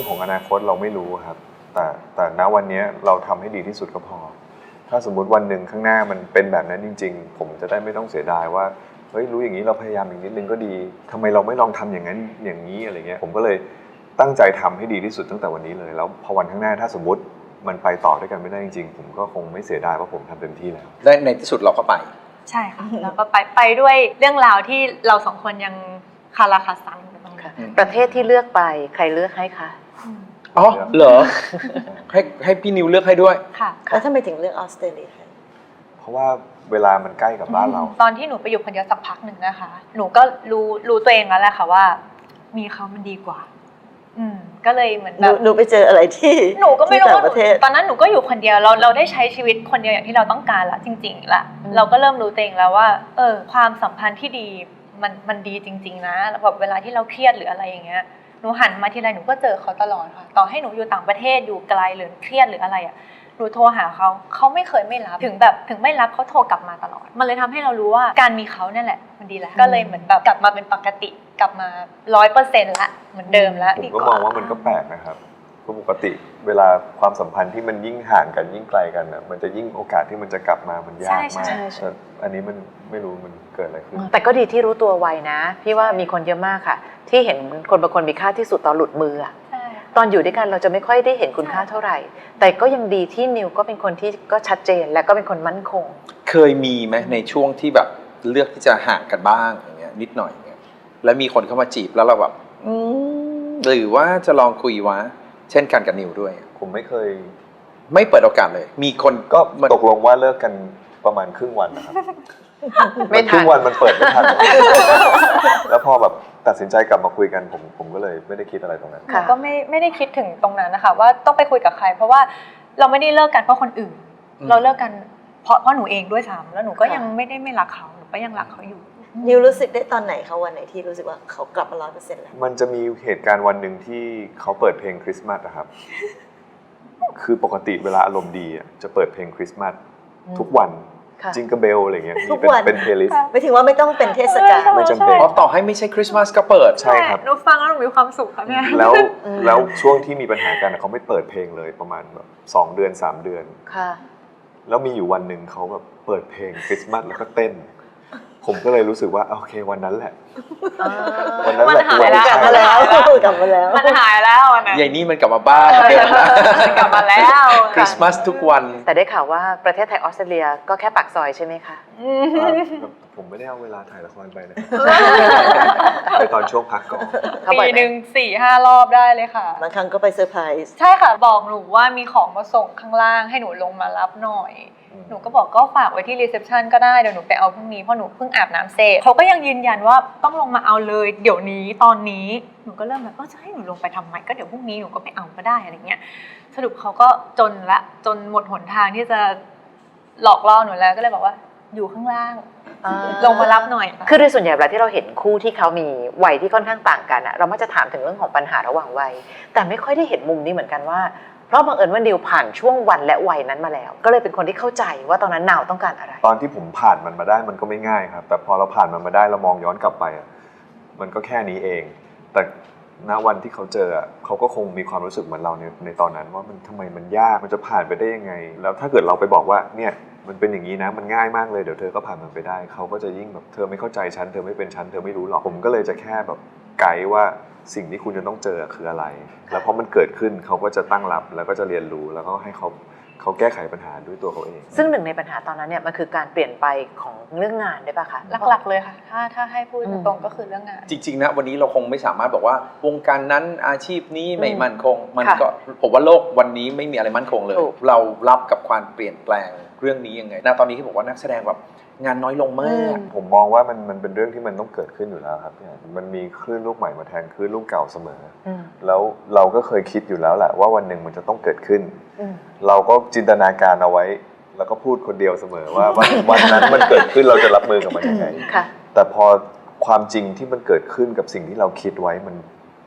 รื่องของอนาคตเราไม่รู้ครับแต่ณวันนี้เราทำให้ดีที่สุดก็พอถ้าสมมุติวันหนึ่งข้างหน้ามันเป็นแบบนั้นจริงๆผมจะได้ไม่ต้องเสียดายว่าเฮ้ยรู้อย่างนี้เราพยายามอีกนิดนึงก็ดีทำไมเราไม่ลองทำอย่างนั้นอย่างนี้อะไรเงี้ยผมก็เลยตั้งใจทำให้ดีที่สุดตั้งแต่วันนี้เลยแล้วพอวันข้างหน้าถ้าสมมติมันไปต่อด้วยกันไม่ได้จริงๆผมก็คงไม่เสียดายว่าผมทำเต็มที่แล้วได้ในที่สุดเราก็ไปใช่ค่ะแล้วก็ไปด้วยเรื่องราวที่เราสองคนยังคาราคาซังอยู่ตรงนั้นประเทศที่เลือกไปใครเลือกให้คะอ๋อเหรอให้พี่นิวเลือกให้ด้วยค่ะแล้วทำไมถึงเลือกออสเตรเลียเพราะว่าเวลามันใกล้กับบ้านเราตอนที่หนูไปอยู่คนเดียวสักพักหนึ่งนะคะหนูก็รู้ตัวเองแล้วแหละค่ะว่ามีเขามันดีกว่าก็เลยเหมือนแบบหนูไปเจออะไรที่หนูก็ไม่รู้ว่าประเทศตอนนั้นหนูก็อยู่คนเดียวเราได้ใช้ชีวิตคนเดียวอย่างที่เราต้องการละจริงๆละเราก็เริ่มรู้ตัวเองแล้วว่าความสัมพันธ์ที่ดีมันดีจริงๆนะแบบเวลาที่เราเครียดหรืออะไรอย่างเงี้ยหนูหันมาทีไรหนูก็เจอเขาตลอดค่ะต่อให้หนูอยู่ต่างประเทศอยู่ไกลหรือเครียดหรืออะไรอ่ะหนูโทรหาเขาไม่เคยไม่รับถึงไม่รับเขาโทรกลับมาตลอดมันเลยทำให้เรารู้ว่าการมีเขาเนี่ยแหละมันดีแล้วก็เลยเหมือนแบบกลับมาเป็นปกติกลับมา 100% ละเหมือนเดิมแล้วผมก็มองว่ามันก็แปลกนะครับเพราะปกติเวลาความสัมพันธ์ที่มันยิ่งห่างกันยิ่งไกลกันอ่ะมันจะยิ่งโอกาสที่มันจะกลับมามันยากมากอันนี้มันไม่รู้มันเกิดอะไรขึ้นแต่ก็ดีที่รู้ตัวไวนะพี่ว่ามีคนเยอะมากค่ะที่เห็นคนบางคนมีค่าที่สุดตอนหลุดมืออะตอนอยู่ด้วยกันเราจะไม่ค่อยได้เห็นคุณค่าเท่าไหร่แต่ก็ยังดีที่นิวก็เป็นคนที่ก็ชัดเจนและก็เป็นคนมั่นคงเคยมีไหมในช่วงที่แบบเลือกที่จะห่างกันบ้างอย่างเงี้ยนิดหน่อยอย่างเงี้ยแล้วมีคนเข้ามาจีบแล้วเราแบบหรือว่าจะลองคุยวะเช่นกันกับนิวด้วยผมไม่เคยไม่เปิดโอกาสเลยมีคนก็ตกลงว่าเลิกกันประมาณครึ่งวันนะครับไม่ครึ่งวันมันเปิดไม่ทันแล้วพอแบบตัดสินใจกลับมาคุยกันผมก็เลยไม่ได้คิดอะไรตรงนั้นก็ไม่ได้คิดถึงตรงนั้นนะคะว่าต้องไปคุยกับใครเพราะว่าเราไม่ได้เลิกกันเพราะคนอื่นเราเลิกกันเพราะหนูเองด้วยซ้ำแล้วหนูก็ยังไม่รักเขาหนูก็ยังรักเขาอยู่นิวรู้สึกได้ตอนไหนเขาวันไหนที่รู้สึกว่าเขากลับมา 100% แล้วมันจะมีเหตุการณ์วันหนึ่งที่เขาเปิดเพลงคริสต์มาสนะครับคือปกติเวลาอารมณ์ดีจะเปิดเพลงคริสต์มาสทุกวันจิงเกิลเบลอะไรเงี้ยเป็นเพลย์ลิสต์ไม่ถึงว่าไม่ต้องเป็นเทศกาลไม่จำเป็นเพราะต่อให้ไม่ใช่คริสต์มาสก็เปิดใช่ครับหนูฟังแล้วหนูมีความสุขค่ะเนี่ยแล้วช่วงที่มีปัญหากันเขาไม่เปิดเพลงเลยประมาณแบบ2 เดือน3 เดือนค่ะแล้วมีอยู่วันหนึ่งเขาแบบเปิดเพลงคริสต์มาสแล้วก็เต้นผมก็เลยรู้สึกว่าโอเควันนั้นแหละวันนั้นแหละกลับมาแล้วมันหายแล้วใหญ่นี่มันกลับมาบ้านมันกลับมาแล้วคริสต์มาสทุกวันแต่ได้ข่าวว่าประเทศไทยออสเตรเลียก็แค่ปากซอยใช่ไหมคะผมไม่ได้เอาเวลาถ่ายละครไปนะไปตอนช่วงพักก่อนปีหนึ่ง 4-5 รอบได้เลยค่ะบางครั้งก็ไปเซอร์ไพรส์ใช่ค่ะบอกหนูว่ามีของมาส่งข้างล่างให้หนูลงมารับหน่อยหนูก็บอกก็ฝากไว้ที่รีเซพชันก็ได้เดี๋ยวหนูไปเอาพรุ่งนี้เพราะหนูเพิ่งอาบน้ำเสร็จเขาก็ยังยืนยันว่าต้องลงมาเอาเลยเดี๋ยวนี้ตอนนี้หนูก็เริ่มแบบจะให้หนูลงไปทำไมก็เดี๋ยวพรุ่งนี้หนูก็ไปเอาก็ได้อะไรเงี้ยสรุปเขาก็จนหมดหนทางที่จะหลอกล่อหนูแล้วก็เลยบอกว่าอยู่ข้างล่างลงมารับหน่อยคือโดยส่วนใหญ่เวลาที่เราเห็นคู่ที่เขามีวัยที่ค่อนข้างต่างกันเรามักจะถามถึงเรื่องของปัญหาระหว่างวัยแต่ไม่ค่อยได้เห็นมุมนี้เหมือนกันว่าเพราะบังเอิญว่านิวผ่านช่วงวันและวัยนั้นมาแล้วก็เลยเป็นคนที่เข้าใจว่าตอนนั้นนาวต้องการอะไรตอนที่ผมผ่านมันมาได้มันก็ไม่ง่ายครับแต่พอเราผ่านมันมาได้เรามองย้อนกลับไปมันก็แค่นี้เองแต่ณวันที่เขาเจอเขาก็คงมีความรู้สึกเหมือนเราในตอนนั้นว่ามันทำไมมันยากมันจะผ่านไปได้ยังไงแล้วถ้าเกิดเราไปบอกว่าเนี่ยมันเป็นอย่างนี้นะมันง่ายมากเลยเดี๋ยวเธอก็ผ่านมันไปได้เขาก็จะยิ่งแบบเธอไม่เข้าใจฉันเธอไม่เป็นฉันเธอไม่รู้หรอกผมก็เลยจะแค่แบบไกด์ว่าสิ่งที่คุณจะต้องเจอคืออะไรแล้วพอมันเกิดขึ้นเขาก็จะตั้งรับแล้วก็จะเรียนรู้แล้วก็ให้เขาแก้ไขปัญหาด้วยตัวเขาเองซึ่งหนึ่งในปัญหาตอนนั้นเนี่ยมันคือการเปลี่ยนไปของเรื่องงานได้ป่ะคะหลักๆเลยค่ะถ้าให้พูดตรงๆก็คือเรื่องงานจริงๆนะวันนี้เราคงไม่สามารถบอกว่าวงการนั้นอาชีพนี้ไม่มั่นคงมันก็ผมว่าโลกวันนี้ไม่มีอะไรมั่นคงเลยเรารับกับความเปลี่ยนแปลงเรื่องนี้ยังไงตอนนี้ที่บอกว่านักแสดงแบบงานน้อยลงมากผมมองว่ามันเป็นเรื่องที่มันต้องเกิดขึ้นอยู่แล้วครับมันมีคลื่นลูกใหม่มาแทนคลื่นลูกเก่าเสมอแล้วเราก็เคยคิดอยู่แล้วแหละว่าวันหนึ่งมันจะต้องเกิดขึ้นเราก็จินตนาการเอาไว้แล้วก็พูดคนเดียวเสมอว่าวันนั้นมันเกิดขึ้นเราจะรับมือกับมันยังไงแต่พอความจริงที่มันเกิดขึ้นกับสิ่งที่เราคิดไว้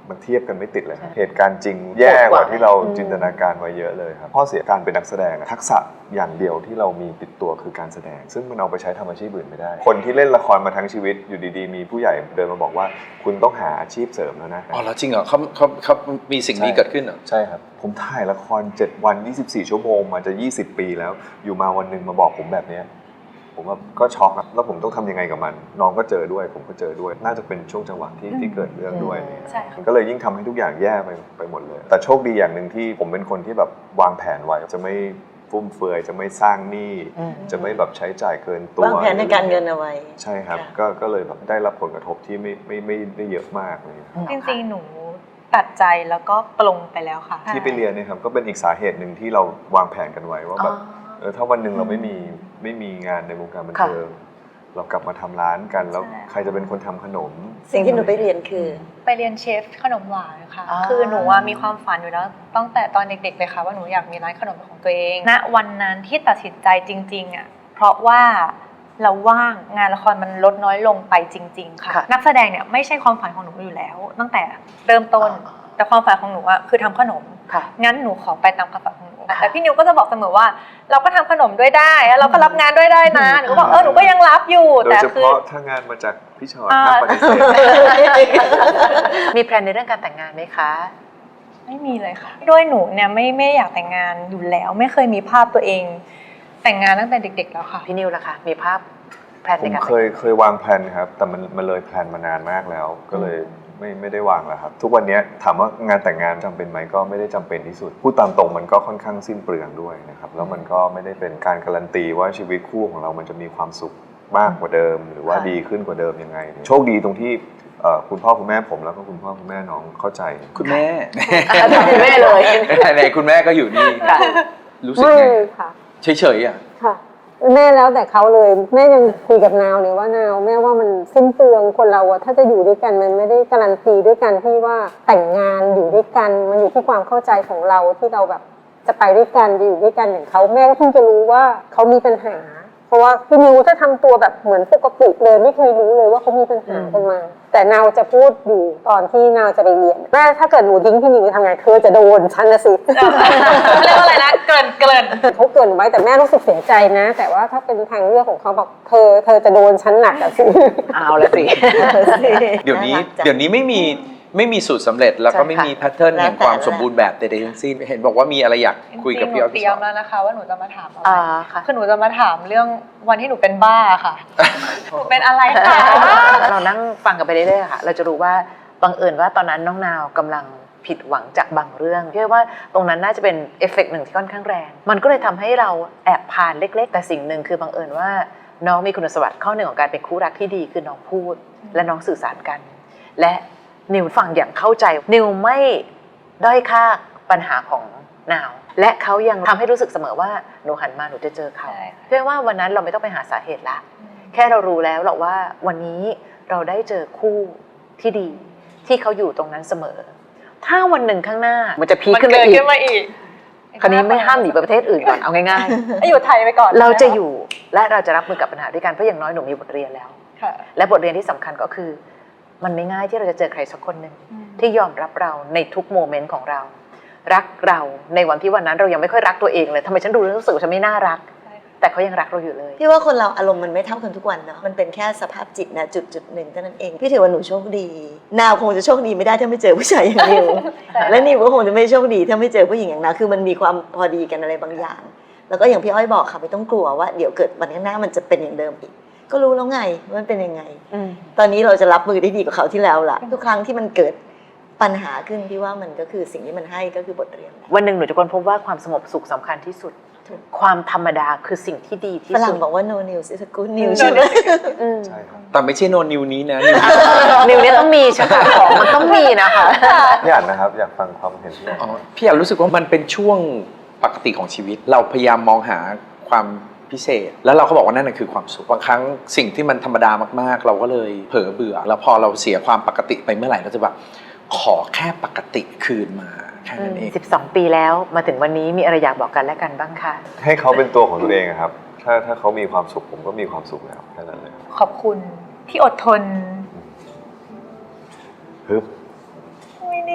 มันเทียบกันไม่ติดเลยครับเหตุการณ์จริงแย่กว่าที่เราจินตนาการไว้เยอะเลยครับข้อเสียการเป็นนักแสดงทักษะอย่างเดียวที่เรามีติดตัวคือการแสดง ซึ่งมันเอาไปใช้ทำอาชีพอื่นไม่ได้คนที่เล่นละครมาทั้งชีวิตอยู่ดีๆมีผู้ใหญ่เดินมาบอกว่าคุณต้องหาอาชีพเสริมแล้วนะอ๋อแล้วจริงเหรอเขามีสิ่งนี้เกิดขึ้นเหรอใช่ครับผมถ่ายละคร7 วัน24 ชั่วโมงมาจะ20 ปีแล้วอยู่มาวันหนึ่งมาบอกผมแบบนี้ผมว่าก็ช็อกครับแล้วผมต้องทำยังไงกับมันน้องก็เจอด้วยผมก็เจอด้วยน่าจะเป็นช่วงจังหวะที่เกิดเรื่องด้วยใช่ค่ะมันก็เลยยิ่งทำให้ทุกอย่างแย่ไปหมดเลยแต่โชคดีอย่างหนึ่งที่ผมเป็นคนที่แบบวางแผนไว้จะไม่ฟุ่มเฟือยจะไม่สร้างหนี้จะไม่แบบใช้จ่ายเกินตัววางแผนในการเงินเอาไว้ใช่ครับค่ะก็เลยแบบได้รับผลกระทบที่ไม่ได้เยอะมากเลยจริงๆหนูตัดใจแล้วก็ปลงไปแล้วค่ะที่ไปเรียนเนี่ยครับก็เป็นอีกสาเหตุหนึ่งที่เราวางแผนกันไว้ว่าแบบถ้าวันหนึ่งเราไม่มีงานในวงการบันเทิงเรากลับมาทำร้านกันแล้วใช่ใครจะเป็นคนทำขนมสิ่งที่หนูไปเรียนคือไปเรียนเชฟขนมหวานค่ะ คือหนูมีความฝันอยู่แล้วตั้งแต่ตอนเด็กๆเลยค่ะว่าหนูอยากมีร้านขนมเป็นของตัวเอง ณ วันนั้นที่ตัดสินใจจริงๆอ่ะ เพราะว่าเราว่างงานละครมันลดน้อยลงไปจริง ๆ ค่ะ นักแสดงเนี่ยไม่ใช่ความฝันของหนูอยู่แล้ว ตั้งแต่เริ่มต้น แต่ความฝันของหนูอ่ะคือทำขนม งั้นหนูขอไปตามความฝันของหนูแต่พี่นิวก็จะบอกเสมอว่าเราก็ทำขนมด้วยได้แล้วเราก็รับงานด้วยได้นะหนูก็บอกหนูก็ยังรับอยู่โดยแต่เฉคือพาะถ้างานมาจากพี่ชอตน่าปฏิเสธมีแพลนในเรื่องการแต่งงานไหมคะไม่มีเลยค่ะด้วยหนูเนี่ยไม่อยากแต่งงานอยู่แล้ว ไม่เคยมีภาพตัวเองแต่งงานตั้งแต่เด็กๆแล้วค่ะพี่นิวล่ะคะมีภาพแพลนผในมการเคยวางแผนครับแต่มันเลยแผนมานานมากแล้ว ก็เลยไม่ได้วางแล้วครับทุกวันนี้ถามว่างานแต่งงานจำเป็นไหมก็ไม่ได้จำเป็นที่สุดพูดตามตรงมันก็ค่อนข้างสิ้นเปลืองด้วยนะครับแล้วมันก็ไม่ได้เป็นการการันตีว่าชีวิตคู่ของเรามันจะมีความสุขมากกว่าเดิม หรือว่าดีขึ้นกว่าเดิมยังไง โชคดีตรงที่คุณพ่อคุณแม่ผมแล้วก็คุณพ่อคุณแม่น้องเข้าใจคุณแม่คุณแม่เลยไหนๆคุณแม่ก็อยู่นี่รู้สึกไม่ไงค่ะเฉยๆอ่ะค่ะ แม่แล้วแต่เขาเลยแม่ยังคุยกับนาวเลยว่านาวแม่ว่ามันสิ้นเปลืองคนเราอะถ้าจะอยู่ด้วยกันมันไม่ได้การันตีด้วยกันที่ว่าแต่งงานอยู่ด้วยกันมันอยู่ที่ความเข้าใจของเราที่เราแบบจะไปด้วยกันจะอยู่ด้วยกันอย่างเขาแม่ก็เพิ่งจะรู้ว่าเขามีปัญหา เพราะว่าพี่นิวถ้าทำตัวแบบเหมือนปกติเลยไม่เคยรู้เลยว่าเขามีปัญหากันมา แต่นาวจะพูดอยู่ตอนที่นาวจะไปเรียนแม่ถ้าเกิดหนูทิ้งพี่นิวทำไงเธอจะโดนฉันนะสิเรียกว่าอะไรนะเกินเขาเกรินไว้แต่แม่รู้สึกเสียใจนะ แต่ว่าถ้าเป็นทางเลือกของเขาบอกเธอจะโดนชั้นหนักอะสิเอาละสิเดี๋ยวนี้น่ารักจังเดี๋ยวนี้ไม่มีสูตรสำเร็จแล้วก็ไม่มีแพทเทิร์นแล้วแห่งแต่ความสมบูรณ์แบบใดๆทั้งสิ้นเห็นบอกว่ามีอะไรอยากคุยกับพี่อ้อยเตพี่รีชยอมตแล้วนะคะว่าหนูจะมาถามอะไรค่ะคือหนูจะมาถามเรื่องวันที่หนูเป็นบ้าค่ะหนูเป็นอะไรคะเรานั่งฟังกันไปเรื่อยๆค่ะเราจะรู้ว่าบังเอิญว่าตอนนั้นน้องนาวกำลังผิดหวังจากบางเรื่องพี่ว่าตรงนั้นน่าจะเป็นเอฟเฟกต์หนึ่งที่ค่อนข้างแรงมันก็เลยทำให้เราแอบผ่านเล็กๆ แต่สิ่งหนึ่งคือบังเอิญว่าน้องมีคุณสมบัติข้อหนึ่งของการเป็นคู่รักที่ดีคือน้องพูดและน้องสื่อสารกัน และนิวฟังอย่างเข้าใจนิวไม่ด้อยค่าปัญหาของนาวและเขายังทำให้รู้สึกเสมอว่าหนูหันมาหนูจะเจอเขาเพื่อว่าวันนั้นเราไม่ต้องไปหาสาเหตุละแค่เรารู้แล้วหรอกว่าวันนี้เราได้เจอคู่ที่ดีที่เขาอยู่ตรงนั้นเสมอ ถ้าวันหนึ่งข้างหน้ามันจะพีคมันขึ้นไปเกิดอีกขึ้นมาอีกคราวนี้ไม่ห้ามหนีไปประเทศอื่นก่อนเอาง่ายให้อยู่ไทยไปก่อนๆ เราจะอยู่และเราจะรับมือกับปัญหาด้วยกันเพราะอย่างน้อยหนูมีบทเรียนแล้วค่ะและบทเรียนที่สำคัญก็คือ มันไม่ง่ายที่เราจะเจอใครสักคนหนึ่งที่ยอมรับเราในทุกโมเมนต์ของเรา รักเราในวันที่วันนั้นเรายังไม่ค่อยรักตัวเองเลยทำไมฉันดูแล้วรู้สึกว่าฉันไม่น่ารัก แต่เขายังรักเราอยู่เลยพี่ว่าคนเราอารมณ์มันไม่เท่ากันทุกวันเนาะมันเป็นแค่สภาพจิตนะจุดหนึ่งเท่านั้นเองพี่ถือว่าหนูโชคดีนาวคงจะโชคดีไม่ได้ถ้าไม่เจอผู้ชายอย่างนิว และนิวก็คงจะไม่โชคดีถ้าไม่เจอผู้หญิงอย่างนาวคือมันมีความพอดีกันอะไรบางอย่าง แล้วก็อย่างพี่อ้อยบอกค่ะไม่ต้องกลัวว่าเดี๋ยวเกิดวันข้างหน้ามันจะเป็นอย่างเดิมอีก ก็รู้แล้วไงว่ามันเป็นยังไง ตอนนี้เราจะรับมือได้ดีกว่าเขาวที่แล้วล่ะทุกครั้งที่มันเกิดปัญหาขึ้นพี่ว่ามันก็คือสิ่งที่มันให้ก็คือบทเรียนแหละวันหนึ่งหนูจะค้นพบว่าความสงบสุขสำคัญที่สุดถูกความธรรมดาคือสิ่งที่ดีที่ฝรั่สุงดบอกว่า no news is a good news ใช่ไหมใช่ครับแต่ไม่ใช่โนนิวนี้นะนิวเนี่ยต้องมีใช่ไหมของมันต้องมีนะคะพี่อ่านนะครับอยากฟังความเห็นพี่อ่านอ๋อพี่อยากรู้สึกว่ามันเป็นช่วงปกติของชีวิต เราพยายามมองหาความพิเศษ แล้วเราก็บอกว่านั่นคือความสุขบางครั้งสิ่งที่มันธรรมดามากๆ เราก็เลยเผลอเบื่อ แล้วพอเราเสียความปกติไปเมื่อไหร่เราจะแบบขอแค่ปกติคืนมาแค่นั้นเอง 12 ปีแล้วมาถึงวันนี้มีอะไรอยากบอกกันและกันบ้างคะให้เขาเป็นตัวของตัวเองอะครับถ้าเขามีความสุขผมก็มีความสุขแล้วแค่นั้นเลยขอบคุณที่อดทนฮึบไม่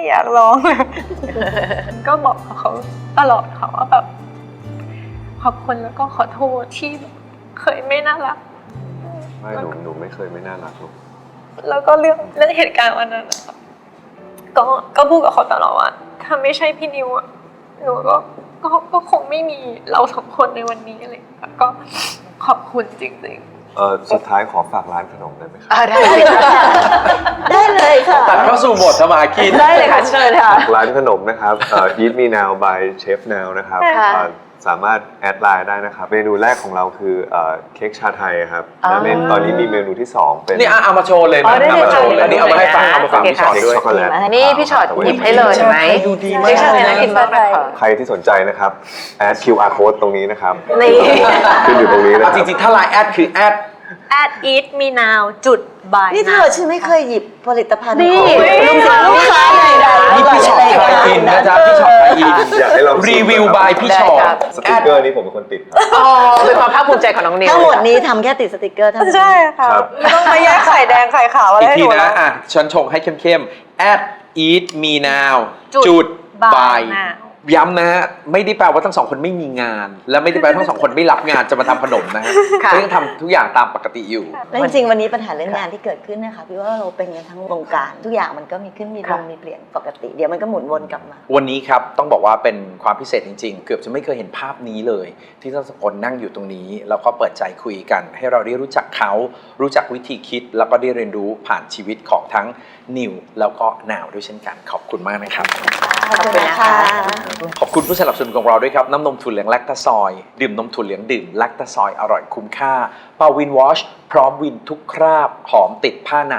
อยากร้องเลย ก็บอกเขาตลอดค่ะว่าแบบขอบคุณแล้วก็ขอโทษที่เคยไม่น่ารักไม่หนูไม่เคยไม่น่ารักหรอกแล้วก็เรื่องเหตุการณ์วันนั้นนะคะก็พูดกับเขาตลอดว่าถ้าไม่ใช่พี่นิวอะหนูก็คงไม่มีเราสองคนในวันนี้อะไรอย่างเงี้ยก็ขอบคุณจริงๆสุดท้ายขอฝากร้านขนมได้ไหมครับได้เลยค่ะได้เลยค่ะตัดเข้าสู่บทสมากินได้เลยค่ะเชิญค่ะร้านขนมนะครับEat Me Now by Chef Now นะครับค่ะสามารถแอดไลน์ได้นะครับ เมนูแรกของเราคือเค้กชาไทยครับอ๋อและตอนนี้มีเมนูที่ 2 เป็นนี่เอามาโชว์เลยอ๋นะอได้เอาเลยมาโชว์เลยค่ะนี่เอามาให้ฟังได้เอามาฟังโอเคพี่ชอตเค้กด้วยช็อกโกแลตนี่พี่ชอตหยิบให้เลยเห็นไหมดูดีมากเค้กชาไทยน่ากินมากเลยค่ะใครที่สนใจนะครับแอด QR code ตรงนี้นะครับนี่ขึ้นอยู่ตรงนี้นะคเอารับจริงๆถ้าไลน์แอดคือแอด eat me now จุด by นี่เธอฉันไม่เคยหยิบผลิตภัณฑ์นี่ของลูกค้าเลยนะนี่พี่ชอตไทยอินนะจ๊ะพี่ชอตไทยอินอยากให้ลองรีวิวบายพี่ชอตสติ๊กเกอร์นี้ผมเป็นคนติดครับอ๋อเป็นความภาคภูมิใจของน้องนิวทั้งหมดนี้ทำแค่ติดสติกเกอร์เท่านั้นใช่ค่ะครับไม่ต้องมาแยกไข่แดงไข่ขาวอะไรอีกให้ทีหนูนะแล้วอ่ะฉันชงให้เข้มๆ at eat me now จุด by by now ย้ำนะฮะไม่ได้แปลว่าทั้งสองคนไม่มีงาน และไม่ได้แปลว่าทั้งสองคนไม่รับงานจะมาทำขนมนะฮะค่ะก็ยังทำทุกอย่างตามปกติอยู่และจริงๆวันนี้ปัญหาเรื่องงานที่เกิดขึ้นนะคะพี่ว่าเราเป็นกันทั้งวงการทุกอย่างมันก็มีขึ้นมีลค่ะงมีเปลี่ยนปกติ เดี๋ยวมันก็หมุนวนกลับมาวันนี้ครับต้องบอกว่าเป็นความพิเศษจริงๆ เกือบจะไม่เคยเห็นภาพนี้เลย ที่ทั้งสองคนนั่งอยู่ตรงนี้ แล้วก็เปิดใจคุยกัน ให้เราได้รู้จักเขา รู้จักวิธีคิด แล้วก็ได้เรียนรู้ผ่านชีวิตของทั้งนิวแล้วก็นาวด้วยเช่นกันขอบคุณมากนะครับขอบคุณนะคะขอบคุณผู้สนับสนุนของเราด้วยครับ น้ำนมถั่วเหลืองแลคตาซอย ดื่มนมถั่วเหลืองดื่มแลคตาซอยอร่อยคุ้มค่าปาวินวอชพร้อมวินทุกคราบ หอมติดผ้านาน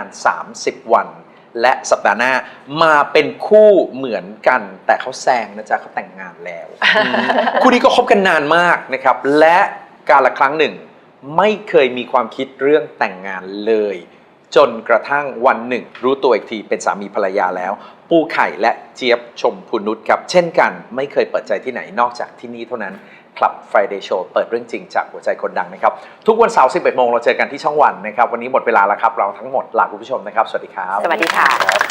30 วัน และสัปดาห์หน้ามาเป็นคู่เหมือนกัน แต่เขาแซงนะจ๊ะเขาแต่งงานแล้ว คู่นี้ก็คบกันนานมากนะครับ และการละครั้งหนึ่ง ไม่เคยมีความคิดเรื่องแต่งงานเลย จนกระทั่งวันหนึ่ง รู้ตัวอีกทีเป็นสามีภรรยาแล้ว ปูไข่และเจี๊ยบชมพูนุชครับ เช่นกันไม่เคยเปิดใจที่ไหนนอกจากที่นี่เท่านั้น Club Friday Show เปิดเรื่องจริงจากหัวใจคนดังนะครับ ทุกวันเสาร์ 11 โมงเราเจอกันที่ช่องวันนะครับ วันนี้หมดเวลาแล้วครับ เราทั้งหมดลาคุณผู้ชมนะครับ สวัสดีครับสวัสดีค่ะ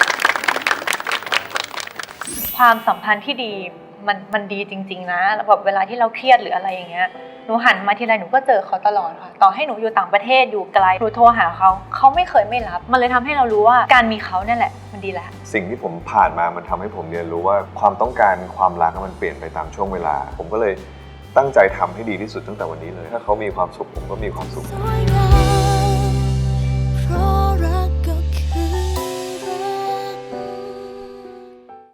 ความสัมพันธ์ที่ดีมันดีจริงๆนะแล้วแบบเวลาที่เราเครียดหรืออะไรอย่างเงี้ยหนูหันมาทีไรหนูก็เจอเขาตลอดค่ะต่อให้หนูอยู่ต่างประเทศอยู่ไกลหนูโทรหาเขาไม่เคยไม่รับ มันเลยทำให้เรารู้ว่าการมีเขาเนี่ยแหละมันดีแล้วสิ่งที่ผมผ่านมามันทำให้ผมเรียนรู้ว่าความต้องการความรักมันเปลี่ยนไปตามช่วงเวลา ผมก็เลยตั้งใจทำให้ดีที่สุดตั้งแต่วันนี้เลย ถ้าเขามีความสุขผมก็มีความสุขสวยงาม